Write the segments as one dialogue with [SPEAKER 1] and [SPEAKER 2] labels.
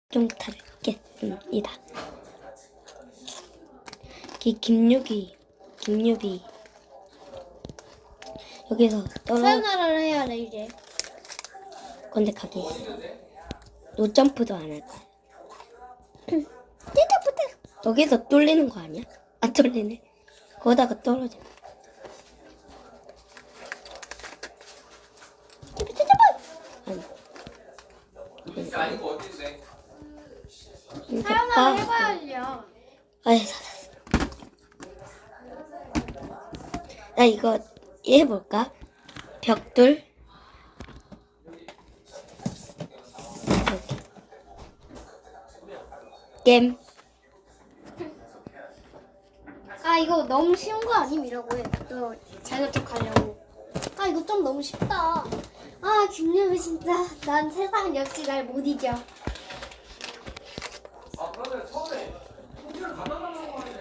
[SPEAKER 1] 좀 타겠습니다. 김유비 여기서
[SPEAKER 2] 사연하라를 해야 돼 이제.
[SPEAKER 1] 근데 가기 노점프도 안 할 거야. 여기서 뚫리는 거 아니야? 안 뚫리네. 거기다가 떨어져.
[SPEAKER 3] 아닌 거 어딘데?
[SPEAKER 2] 사연하라 해봐야지요.
[SPEAKER 1] 아이 살았어. 나 이거 해볼까? 벽돌. 게임.
[SPEAKER 2] 아 이거 너무 쉬운 거 아님 이라고 해. 너 자격증하려고. 아 이거 좀 너무 쉽다. 아 김유미 진짜 난 세상 역시 날 못 이겨.
[SPEAKER 3] 아 그러면 처음에 통째로 갖다 달라고 하네.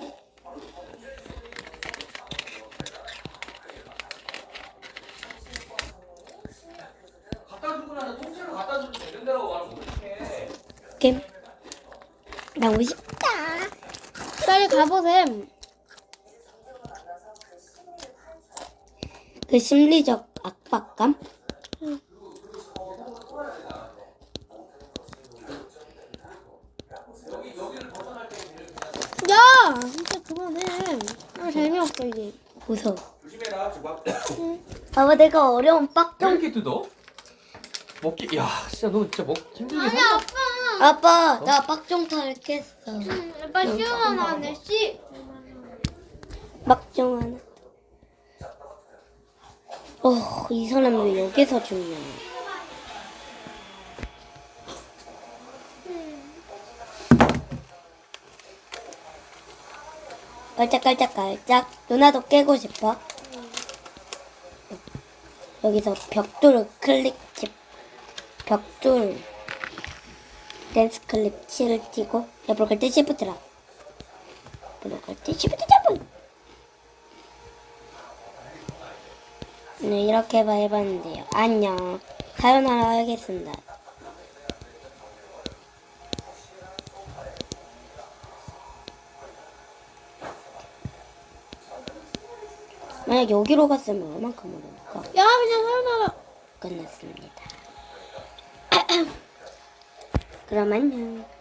[SPEAKER 3] 갖다 주고 나서 통째로 갖다 주면 되는 데라고 말하면 어떡해.
[SPEAKER 1] 게임. 너무 쉽다.
[SPEAKER 2] 빨리 가보셈.
[SPEAKER 1] 그 심리적 압박감?
[SPEAKER 2] 야 진짜 그만해. 아 재미없어 이제.
[SPEAKER 1] 무서워.
[SPEAKER 3] 조심해라 조각.
[SPEAKER 1] 봐봐 내가 어려운
[SPEAKER 3] 왜
[SPEAKER 1] 빡좀.
[SPEAKER 3] 이렇게 뜯어? 먹기 야 진짜 너 진짜 먹 힘들게
[SPEAKER 2] 아니
[SPEAKER 3] 산다.
[SPEAKER 2] 아빠.
[SPEAKER 1] 아빠 나 빡종탈 깼어.
[SPEAKER 2] 아빠 시원하네 씨.
[SPEAKER 1] 빡종 하나. 이 사람 왜 여기서 죽냐. 깔짝깔짝깔짝. 누나도 깨고 싶어? 여기서 벽돌을 벽돌 댄스 클립 키를 띄고 옆으로 갈 때 시프트라. 옆으로 갈 때 시프트 잡은. 네, 이렇게 해봤는데요. 안녕. 사연하라 하겠습니다. 만약 여기로 갔으면 얼만큼 오를까?
[SPEAKER 2] 야 그냥 사연하라.
[SPEAKER 1] 끝났습니다. 그럼 안녕.